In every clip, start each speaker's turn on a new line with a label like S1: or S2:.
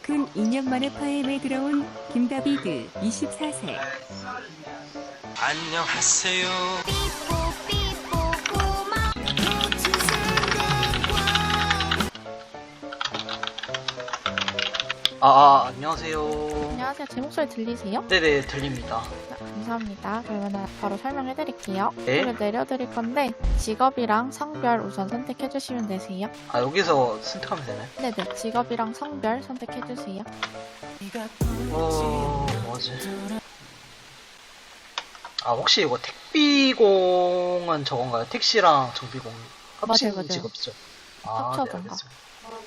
S1: 돈 2년 만에 파엠에 들어온 김다비드 24세.
S2: 안녕하세요. 안녕하세요.
S3: 안녕하세요. 제 목소리 들리세요?
S2: 네네, 들립니다.
S3: 네, 감사합니다. 그러면 바로 설명해 드릴게요.
S2: 네.
S3: 이걸 내려드릴 건데 직업이랑 성별 우선 선택해 주시면 되세요.
S2: 여기서 선택하면 되나요?
S3: 네네. 직업이랑 성별 선택해 주세요.
S2: 뭐지? 혹시 이거 택비공은 저건가요? 택시랑 정비공 합친
S3: 맞아요.
S2: 직업이죠?
S3: 합쳐진
S2: 네,
S3: 거.
S2: 알겠습니다.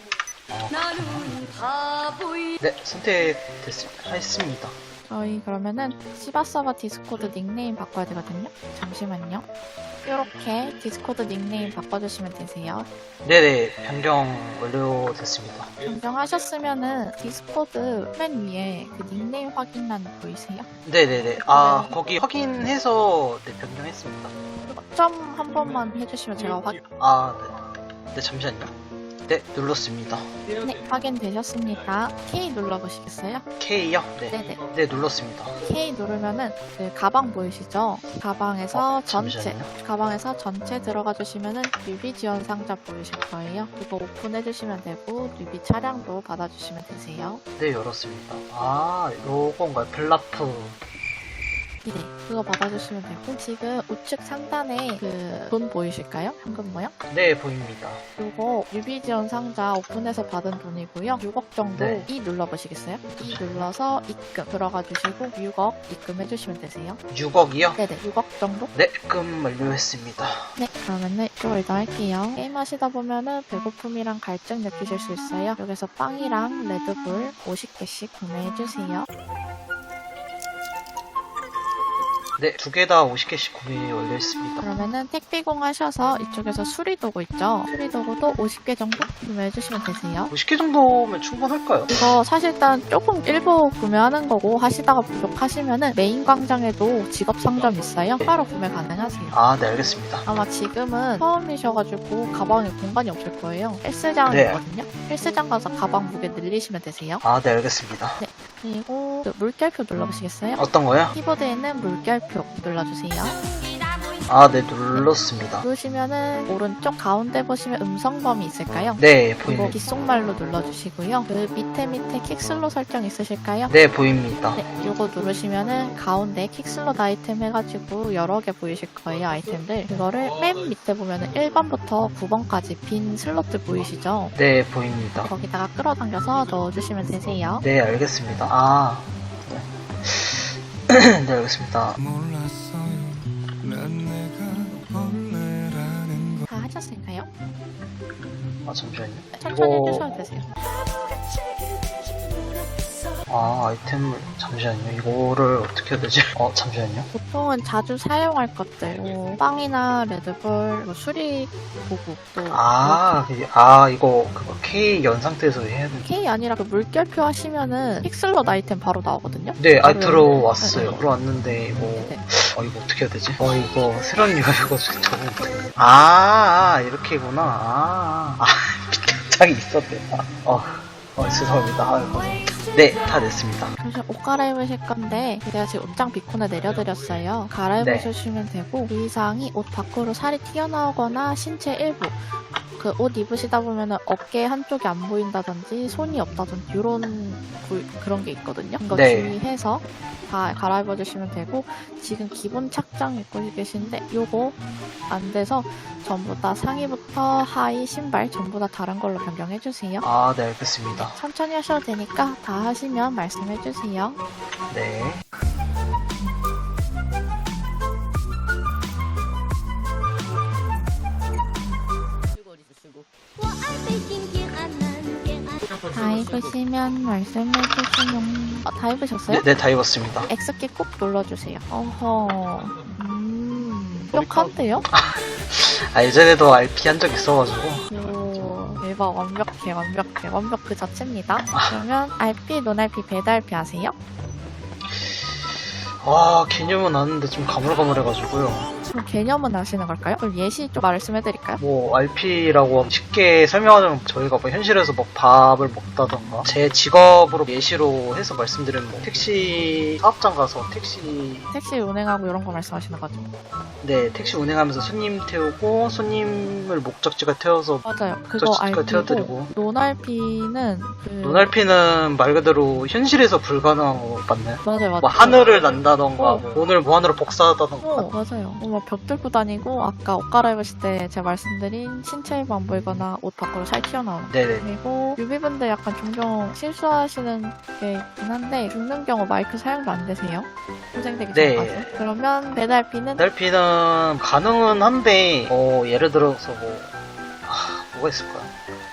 S2: 네, 선택했습니다.
S3: 저희 그러면은 시바서버 디스코드 닉네임 바꿔야 되거든요. 잠시만요. 이렇게 디스코드 닉네임 바꿔주시면 되세요.
S2: 네네, 변경 완료됐습니다.
S3: 변경하셨으면은 디스코드 맨 위에 그 닉네임 확인란 보이세요?
S2: 네네네. 거기 확인해서 변경했습니다.
S3: 점 한 번만 해주시면 제가
S2: 네. 네, 잠시만요. 네, 눌렀습니다.
S3: 네, 확인되셨습니다. K 눌러보시겠어요?
S2: K요?
S3: 네네.
S2: 네, 눌렀습니다.
S3: K 누르면은 그 가방 보이시죠? 가방에서
S2: 잠시만요.
S3: 가방에서 전체 들어가 주시면은 뉴비 지원 상자 보이실 거예요. 그거 오픈해 주시면 되고 뉴비 차량도 받아주시면 되세요.
S2: 네, 열었습니다. 요건가요? 블라프.
S3: 네, 그거 받아주시면 되고 지금 우측 상단에 그 돈 보이실까요? 현금 모양?
S2: 네, 보입니다.
S3: 요거 뉴비 지원 상자 오픈해서 받은 돈이고요. 6억 정도
S2: 네.
S3: 이 눌러보시겠어요? 이 눌러서 입금 들어가 주시고 6억 입금해 주시면 되세요.
S2: 6억이요?
S3: 네네, 6억 정도?
S2: 네, 입금 완료했습니다.
S3: 네, 그러면은 이쪽으로 이동할게요. 게임 하시다 보면은 배고픔이랑 갈증 느끼실 수 있어요. 여기서 빵이랑 레드불 50개씩 구매해 주세요.
S2: 네, 두 개 다 50개씩 구매 완료했습니다.
S3: 그러면은 택비공 하셔서 이쪽에서 수리도구 있죠? 수리도구도 50개 정도 구매해 주시면 되세요.
S2: 50개 정도면 충분할까요?
S3: 이거 사실상 조금 일부 구매하는 거고 하시다가 부족하시면은 메인 광장에도 직업 상점 있어요. 바로 구매 가능하세요.
S2: 네, 알겠습니다.
S3: 아마 지금은 처음이셔가지고 가방에 공간이 없을 거예요. 헬스장이거든요. 헬스장 가서 가방 무게 늘리시면 되세요.
S2: 네, 알겠습니다.
S3: 네. 그리고 그 물결표 눌러보시겠어요?
S2: 어떤 거요?
S3: 키보드에 있는 물결표 눌러주세요.
S2: 네, 눌렀습니다.
S3: 누르시면은 오른쪽 가운데 보시면 음성범위 있을까요?
S2: 네,
S3: 이거
S2: 보입니다.
S3: 귓속말로 눌러주시고요. 그 밑에 킥슬로 설정 있으실까요?
S2: 네, 보입니다.
S3: 네, 요거 누르시면은 가운데 킥슬롯 아이템 해가지고 여러 개 보이실 거예요, 아이템들. 그거를 맨 밑에 보면은 1번부터 9번까지 빈 슬롯들 보이시죠?
S2: 네, 보입니다.
S3: 거기다가 끌어당겨서 넣어주시면 되세요.
S2: 네, 알겠습니다. 네. 네, 알겠습니다.
S3: 다 하셨을까요?
S2: 잠시만요.
S3: 천천히 해주셔도 되세요.
S2: 아이템을, 잠시만요. 이거를 어떻게 해야 되지? 잠시만요.
S3: 보통은 자주 사용할 것들, 뭐 빵이나 레드불, 뭐 수리 도구, 또
S2: 이거, K 연 상태에서 해야 되는.
S3: K 아니라 그 물결표 하시면은 픽슬롯 아이템 바로 나오거든요.
S2: 네,
S3: 바로
S2: 들어왔어요.
S3: 네.
S2: 들어왔는데, 이거,
S3: 네.
S2: 이거 어떻게 해야 되지? 이거 새로운 유저여가지고 적응 못해. 이렇게구나. 밑에 장이 있었네. 죄송합니다. 네, 다 됐습니다.
S3: 그래서 옷 갈아입으실 건데 제가 지금 옷장 비콘에 내려드렸어요. 갈아입으시면 되고 그 이상이 옷 밖으로 살이 튀어나오거나 신체 일부 그 옷 입으시다 보면은 어깨 한쪽이 안 보인다든지 손이 없다든지 이런 그런 게 있거든요. 이거
S2: 네.
S3: 주의해서 다 갈아입어 주시면 되고 지금 기본 착장 입고 계신데 요거 안 돼서 전부 다 상의부터 하의 신발 전부 다 다른 걸로 변경해 주세요.
S2: 네, 알겠습니다.
S3: 천천히 하셔도 되니까 다 하시면 말씀해 주세요.
S2: 네.
S3: 다 입으시면 말씀해 주시면 다 입으셨어요?
S2: 네, 다 입었습니다.
S3: X키 꼭 눌러주세요. 완벽한데요?
S2: 예전에도 RP 한 적 있어가지고.
S3: 오, 대박 완벽 그 자체입니다. 그러면 RP, 논RP, 배달P 아세요?
S2: 개념은 아는데 좀 가물가물해가지고요.
S3: 그럼 개념은 아시는 걸까요? 그럼 예시 좀 말씀해드릴까요?
S2: 뭐 RP라고 쉽게 설명하자면 저희가 뭐 현실에서 뭐 밥을 먹다던가 제 직업으로 예시로 해서 말씀드리면 뭐 택시 사업장 가서
S3: 택시 운행하고 이런 거 말씀하시는 거죠?
S2: 택시 운행하면서 손님 태우고 손님을 목적지가 태워서
S3: 맞아요. 그거
S2: 목적지가
S3: RP고
S2: 태워드리고
S3: 논RP는
S2: 논RP는 말 그대로 현실에서 불가능한 거 맞나요?
S3: 맞아요.
S2: 뭐 하늘을 난다던가 뭐 돈을 무한으로 복사하다던가
S3: 맞아요. 벽 뚫고 다니고 아까 옷 갈아입으실 때 제가 말씀드린 신체 일부 안 보이거나 옷 밖으로 살 튀어나오는 거.
S2: 네네.
S3: 그리고 유비분들 약간 종종 실수하시는 게 있긴 한데 죽는 경우 마이크 사용도 안 되세요? 고생되기
S2: 네.
S3: 전까지. 그러면 배달비는
S2: 배달비는 가능은 한데 예를 들어서 뭐가 있을까요?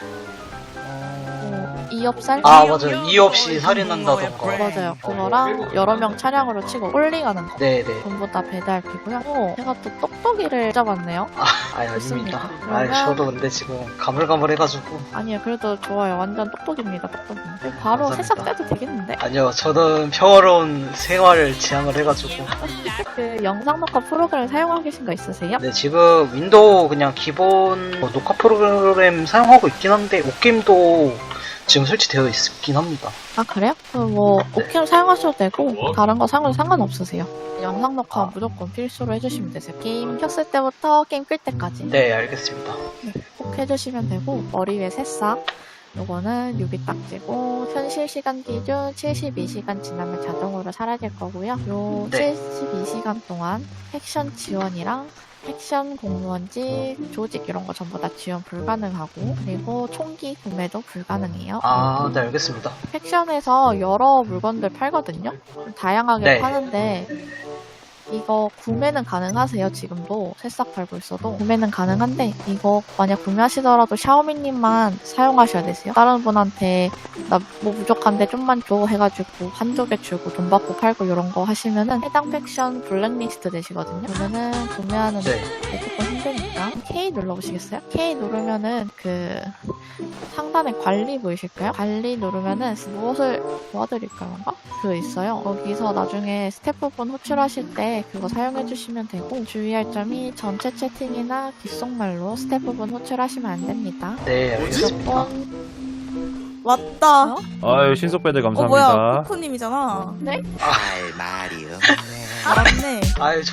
S3: 이업살?
S2: 맞아요. 이유 없이 살인한다던가.
S3: 맞아요. 그거랑 여러 명 차량으로 치고 홀링하는 거.
S2: 네네.
S3: 전부 다 배달비고요. 제가 또 똑똑이를 잡았네요.
S2: 아닙니다.
S3: 좋습니다. 그러면-
S2: 저도 근데 지금 가물가물해가지고.
S3: 아니요, 그래도 좋아요. 완전 똑똑입니다. 똑똑이. 바로
S2: 감사합니다.
S3: 새싹 떼도 되겠는데?
S2: 아니요, 저는 평화로운 생활을 지향을 해가지고.
S3: 그 영상 녹화 프로그램 사용하고 계신 거 있으세요?
S2: 네, 지금 윈도우 그냥 기본 녹화 프로그램 사용하고 있긴 한데, 옥게임도 지금 설치되어 있긴 합니다.
S3: 아, 그래요? 그럼 뭐,
S2: 네.
S3: 오캠 사용하셔도 되고, 다른 거 사용해도 상관없으세요. 영상 녹화 무조건 필수로 해주시면 되세요. 게임 켰을 때부터 게임 끌 때까지.
S2: 네, 알겠습니다.
S3: 꼭 해주시면 되고, 머리 위에 새싹. 요거는 유비 딱지고, 현실 시간 기준 72시간 지나면 자동으로 사라질 거고요. 요
S2: 네.
S3: 72시간 동안 액션 지원이랑 액션 공무원직, 조직 이런 거 전부 다 지원 불가능하고, 그리고 총기 구매도 불가능해요.
S2: 네, 알겠습니다.
S3: 팩션에서 여러 물건들 팔거든요. 좀 다양하게
S2: 네.
S3: 파는데 이거 구매는 가능하세요. 지금도 새싹 팔고 있어도 구매는 가능한데 이거 만약 구매하시더라도 샤오미님만 사용하셔야 되세요. 다른 분한테 나 뭐 부족한데 좀만 줘 해가지고 한두 개 주고 돈 받고 팔고 이런 거 하시면은 해당 팩션 블랙리스트 되시거든요. 그러면은 구매하는
S2: 네.
S3: 게 조금 힘드니까 K 눌러보시겠어요? K 누르면은 그 상단에 관리 보이실까요? 관리 누르면은 무엇을 도와드릴까요? 그 있어요. 거기서 나중에 스태프분 호출하실 때 그거 사용해 주시면 되고 주의할 점이 전체 채팅이나 귓속말로 스태프분 호출하시면 안 됩니다.
S2: 네, 알겠습니다.
S3: 무조건
S4: 왔다.
S5: 아유 신속배들
S4: 뭐야,
S5: 감사합니다.
S4: 코코님이잖아.
S3: 네?
S6: 할 말이요.
S4: 맞네.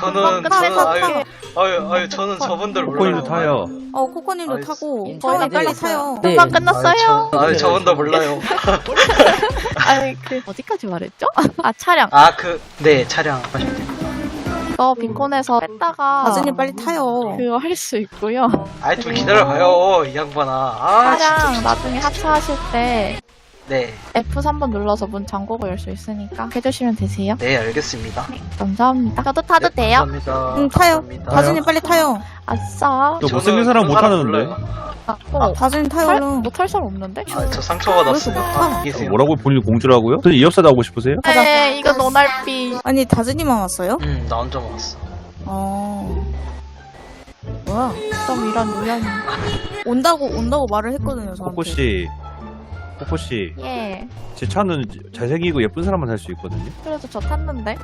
S2: 저는 저분들
S5: 코코님도
S2: 몰라요.
S5: 타요.
S4: 코코님도
S2: 아이,
S4: 타고.
S3: 저희가
S4: 저희 빨리
S3: 네.
S4: 타요.
S3: 금방
S2: 아유,
S3: 끝났어요.
S2: 저분들 몰라요.
S3: 아니 그 어디까지 말했죠? 아 차량.
S2: 네, 차량.
S3: 이거 빈콘에서 뺐다가
S4: 다준이 빨리 타요.
S3: 그거 할 수 있고요.
S2: 좀 기다려봐요, 이 양반아.
S3: 차량
S2: 진짜.
S3: 나중에 하차하실 때
S2: 네,
S3: F3번 눌러서 문 잠그고 열 수 있으니까 해주시면 되세요.
S2: 네, 알겠습니다.
S3: 감사합니다. 저도 타도
S2: 네,
S3: 돼요?
S2: 감사합니다.
S4: 응, 타요.
S2: 감사합니다.
S4: 다준이 빨리 타요.
S3: 아싸.
S5: 너 못생긴 사람 못 타는데?
S2: 몰라요.
S4: 다준이 타요, 얼른.
S3: 못할 사람 없는데?
S2: 저 상처받았어요.
S4: 아,
S2: 계세요.
S5: 뭐라고 본인 공주라고요? 저 이업사 나오고 싶으세요?
S3: 네, 이거 노날비.
S4: 아니, 다준이만 왔어요?
S2: 나 혼자 먹었어.
S4: 뭐야.
S3: 그럼 이런 우연히.
S4: 온다고 말을 했거든요, 저한테.
S5: 코코 씨,
S3: 예.
S5: 제 차는 잘생기고 예쁜 사람만 탈 수 있거든요.
S3: 그래도 저 탔는데.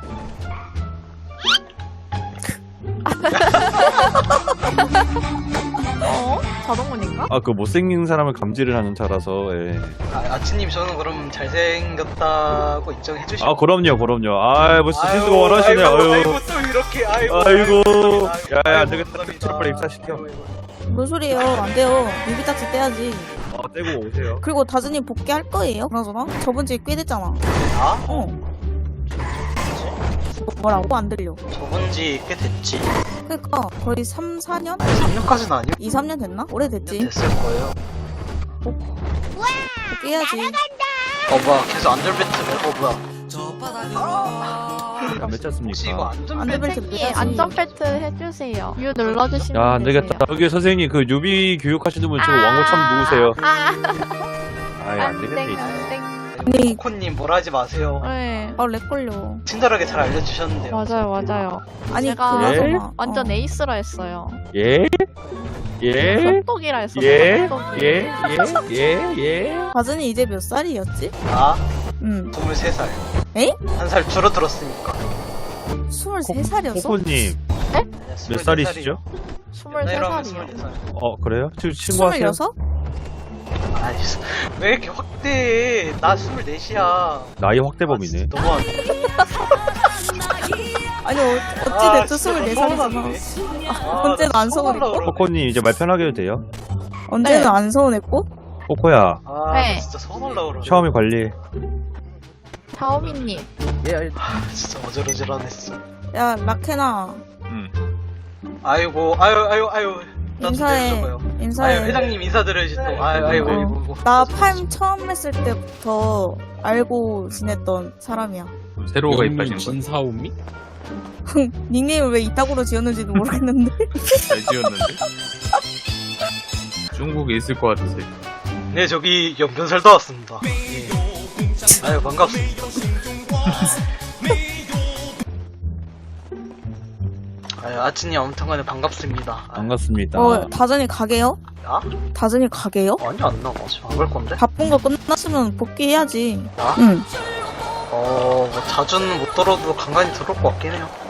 S3: 자동문인가?
S5: 아 그 못생긴 사람을 감지를 하는 차라서. 예.
S2: 아치님, 저는 그럼 잘생겼다고 인정해주시고.
S5: 아 그럼요. 아 벌써 실수가 원하시네. 아유.
S2: 또 이렇게,
S5: 아이고. 야야 안 되겠다. 빨리 입사시켜.
S4: 뭔 소리예요? 안 돼요. 유비딱지 떼야지.
S5: 떼고 오세요.
S4: 그리고 다준이 복귀할 거예요? 그나저나? 저번 주에 꽤 됐잖아.
S2: 아?
S4: 뭐라고? 안 들려.
S2: 저번 지 꽤 됐지.
S4: 그니까, 거의 3, 4년?
S2: 3년까지는 아니고
S4: 2, 3년 됐나? 오래됐지.
S2: 됐을 거예요.
S4: 복귀해야지.
S2: 뭐야, 계속 안전벨트, 뭐야.
S5: 몇
S2: 혹시 이거
S5: 짰습니까?
S4: 안전벨트
S3: 선생님,
S4: 매야지.
S3: 안전벨트 해주세요. U 눌러주시면
S5: 야 안 되겠다.
S3: 되세요.
S5: 여기 선생님 그 유비 교육하시는 분 지금 왕고참 누구세요? 아이 안 되겠네. 이제.
S4: 아니,
S2: 코코님 뭐라 하지 마세요.
S3: 네.
S4: 렉 걸려.
S2: 친절하게 잘 알려주셨는데요.
S3: 맞아요.
S4: 아니,
S3: 제가
S4: 그나저나.
S3: 완전 에이스라 했어요.
S5: 예? 예?
S3: 똑똑이라 했어요.
S5: 예?
S3: 똑똑이.
S5: 예?
S4: 다준이 이제 몇 살이었지?
S2: 아,
S4: 응.
S2: 23살.
S4: 에이?
S2: 한 살 줄어들었으니까.
S4: 23살이었어?
S5: 코코님 몇 살이시죠?
S3: 23살이요.
S5: 그래요? 지금 친구 하세요?
S4: 26?
S2: 아이, 왜 이렇게 확대해? 나 24이야.
S5: 나이 확대범이네.
S2: 너무하네.
S4: 아니, 어찌됐든 24살이잖아. 언제는 안 서운했고?
S5: 코코님 이제 말 편하게 해도 돼요?
S4: 언제는
S3: 네.
S4: 안 서운했고?
S5: 코코야,
S3: 네.
S2: 진짜 서운하려고 그러네.
S5: 샤오미 관리.
S3: 다오미님.
S2: 진짜 어지러지러하네, 진짜.
S4: 야, 라케나.
S2: 아이고, 아유. 나좀
S4: 인사해.
S2: 내려줘봐요.
S4: 인사해.
S2: 아유, 회장님 인사드려야지 또. 아이고.
S4: 나 팔 처음 했을 때부터 알고 지냈던 사람이야.
S6: 새로가
S7: 영민
S6: 입하신 거
S7: 진사오미?
S4: 닉네임을 왜 이따구로 지었는지도 모르겠는데.
S6: 잘 지었는데? 중국에 있을 것 같으세요.
S2: 네, 저기 연변 살다 왔습니다. 예. 아유, 반갑습니다. 아유, 아친이 아무튼간에 반갑습니다.
S5: 반갑습니다.
S4: 다전이 가게요?
S2: 야?
S4: 다전이 가게요?
S2: 아니, 안 나가. 지금 안 갈 건데?
S4: 바쁜 거 끝났으면 복귀해야지.
S2: 나?
S4: 응.
S2: 뭐 자주는 못 들어도 간간히 들어올 것 같긴 해요.